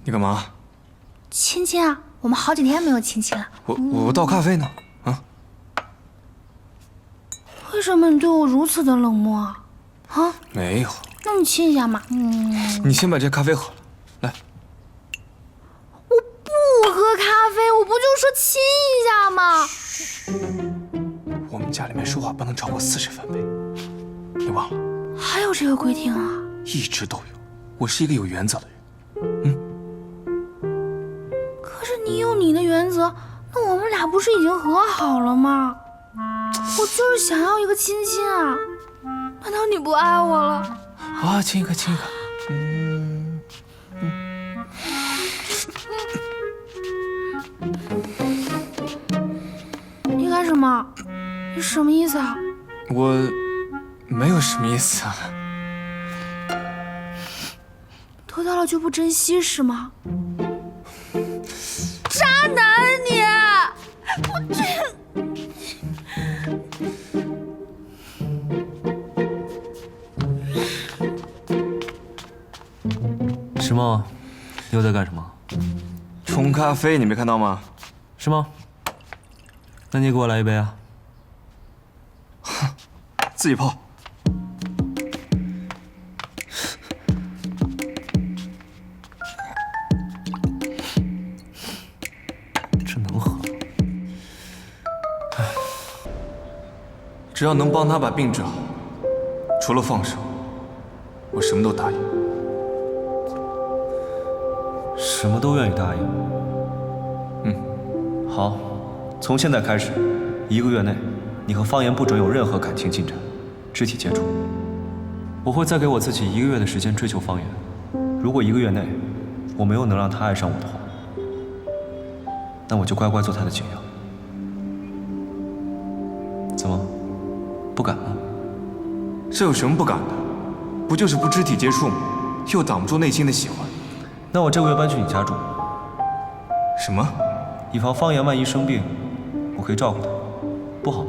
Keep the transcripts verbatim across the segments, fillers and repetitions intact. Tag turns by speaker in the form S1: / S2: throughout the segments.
S1: 你干嘛？
S2: 亲亲啊，我们好几天没有亲亲了。
S1: 我我倒咖啡呢。啊？
S2: 为什么你对我如此的冷漠啊？啊？
S1: 没有。
S2: 那你亲一下嘛。嗯。
S1: 你先把这咖啡喝了，来。
S2: 我不喝咖啡，我不就说亲一下吗？
S1: 我们家里面说话不能超过四十分贝，你忘了？
S2: 还有这个规定啊？
S1: 一直都有。我是一个有原则的人。嗯。
S2: 可是你有你的原则，那我们俩不是已经和好了吗？我就是想要一个亲亲啊！难道你不爱我了？
S1: 啊，亲一个，亲一个。嗯嗯。
S2: 你干什么？你什么意思啊？
S1: 我没有什么意思啊。
S2: 得到了就不珍惜是吗？渣男你！我这……
S3: 石梦，你又在干什么？
S1: 冲咖啡，你没看到吗？
S3: 是吗？那你也给我来一杯啊！
S1: 自己泡。
S3: 这能喝？
S1: 唉，只要能帮他把病治好，除了放手，我什么都答应。
S3: 什么都愿意答应。
S1: 嗯，
S3: 好，从现在开始，一个月内，你和方言不准有任何感情进展，肢体接触。我会再给我自己一个月的时间追求方言。如果一个月内我没有能让他爱上我的话，那我就乖乖做他的解药。怎么，不敢吗？
S1: 这有什么不敢的？不就是不肢体接触吗？又挡不住内心的喜欢。
S3: 那我这个月搬去你家住。
S1: 什么？
S3: 以防方言万一生病，我可以照顾他，不好吗？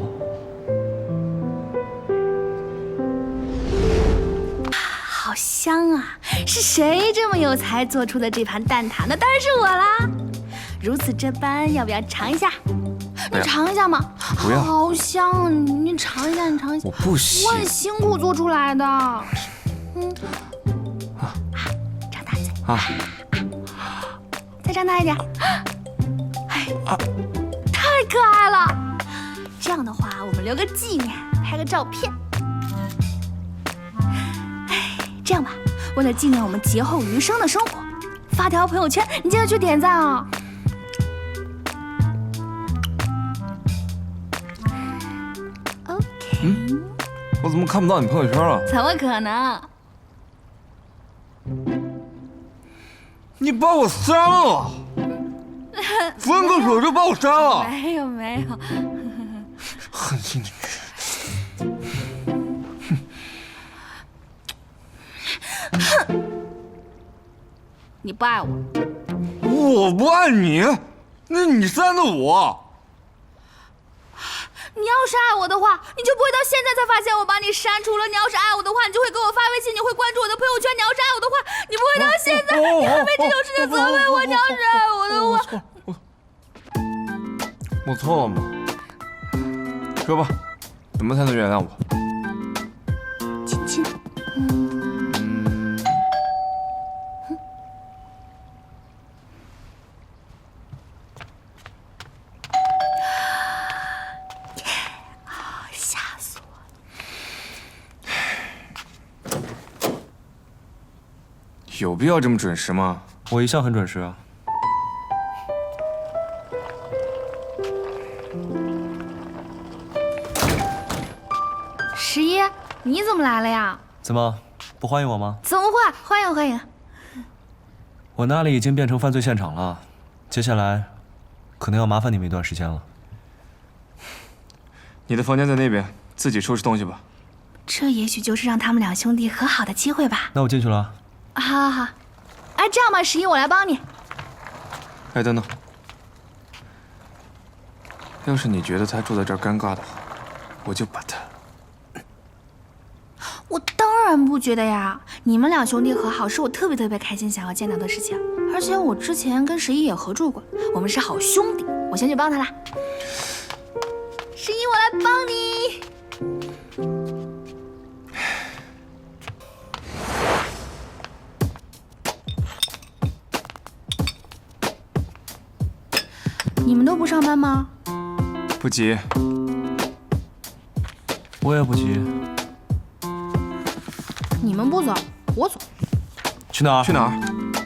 S2: 好香啊！是谁这么有才做出的这盘蛋挞？那当然是我啦！如此这般，要不要尝一下？你尝一下嘛！
S1: 不要。
S2: 好香啊！你你尝一下，你尝一下。
S1: 我不行。
S2: 我很辛苦做出来的。嗯。啊，张大嘴。
S1: 啊。
S2: 再张大一点。哎，啊，太可爱了！这样的话，我们留个纪念，拍个照片。哎，这样吧，为了纪念我们劫后余生的生活，发条朋友圈，你记得去点赞啊！
S1: 嗯，我怎么看不到你朋友圈了？
S2: 怎么可能？
S1: 你把我删了！分个手就把我删了！
S2: 没有没有，
S1: 狠心的女人！
S2: 哼！你不爱我？
S1: 我不爱你？那你删的我？
S2: 你要是爱我的话，你就不会到现在才发现我把你删除了。你要是爱我的话，你就会给我发微信，你会关注我的朋友圈。你要是爱我的话，你不会到现在你还为这种事情责备我。你要是爱我的话，
S1: 我错了吗？说吧，怎么才能原谅我？
S2: 亲亲。嗯。吓死我了！
S1: 有必要这么准时吗？
S3: 我一向很准时啊。
S2: 十一，你怎么来了呀？
S3: 怎么，不欢迎我吗？
S2: 怎么会？欢迎欢迎！
S3: 我那里已经变成犯罪现场了，接下来可能要麻烦你们一段时间了。
S1: 你的房间在那边，自己收拾东西吧。
S2: 这也许就是让他们两兄弟和好的机会吧。
S3: 那我进去了。
S2: 好好好，哎，这样吧，十一，我来帮你。
S1: 哎，等等，要是你觉得他住在这儿尴尬的话，我就把他。
S2: 我当然不觉得呀，你们两兄弟和好是我特别特别开心想要见到的事情，而且我之前跟十一也合住过，我们是好兄弟，我先去帮他啦。十一，我来帮你。你们都不上班吗？
S1: 不急，
S3: 我也不急。
S2: 你们不走，我走。
S3: 去哪儿？
S1: 去哪儿？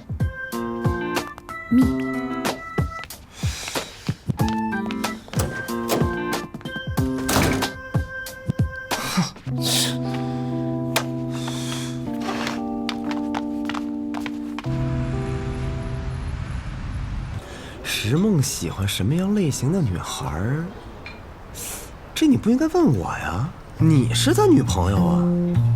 S2: 秘密。
S4: 石梦喜欢什么样类型的女孩儿？这你不应该问我呀，你是他女朋友啊。